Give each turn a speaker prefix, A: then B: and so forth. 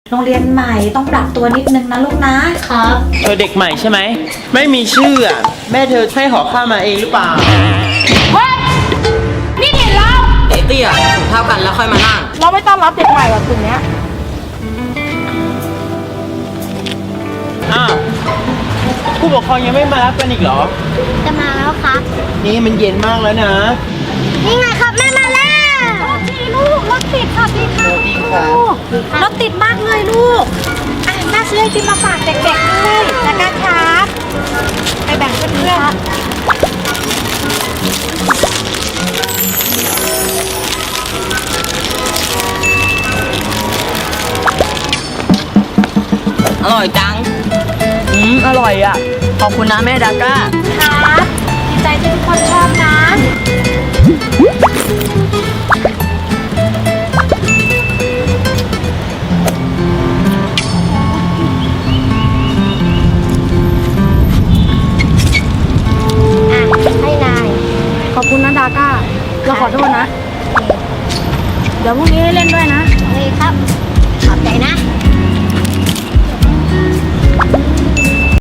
A: โรงเรียนใหม่ต้องปรับตัวนิดนึงนะลูกนะครับ
B: เธอเด็กใหม่ใช่ไหมไม่มีชื่ออะแม่เธอให้ห่อข้าวมาเองหรือเปล่า
C: เฮ้ยนี่เห็นเรา
D: เอะเตี้ยถุงเท่ากันแล้วค่อยมานั่ง
C: เราไม่ต้อนรับเด็กใหม่แบบกลุ่มเนี้ย
B: อ้าวผู้ปกครองยังไม่มารับกันอีกเหรอ
E: จะมาแล้วครับ
B: นี่มันเย็นมากแล้วนะ
E: นี่ไงครับแม่มาแล้ว
A: พี่ลูกรถติดค่ะพี่ค่ะ
B: สวัสดีค่ะ
A: รถติดมากเลยลูกอ่ะน่าซื้อไอติมมาฝากเด็กๆด้วยนะครับไปแบ่งเพื่อนๆ
D: อร่อยจัง
C: อร่อยอ่ะ ขอบคุณนะแม่ดาก้า
A: ครับดีใจที่ทุกคนชอบนะ
E: อ่ะ ให้นาย
C: ขอบคุณนะดาก้า เราขอโทษนะ เดี๋ยวพรุ่งนี้ให้เล่นด้วยนะ
E: เลยครับ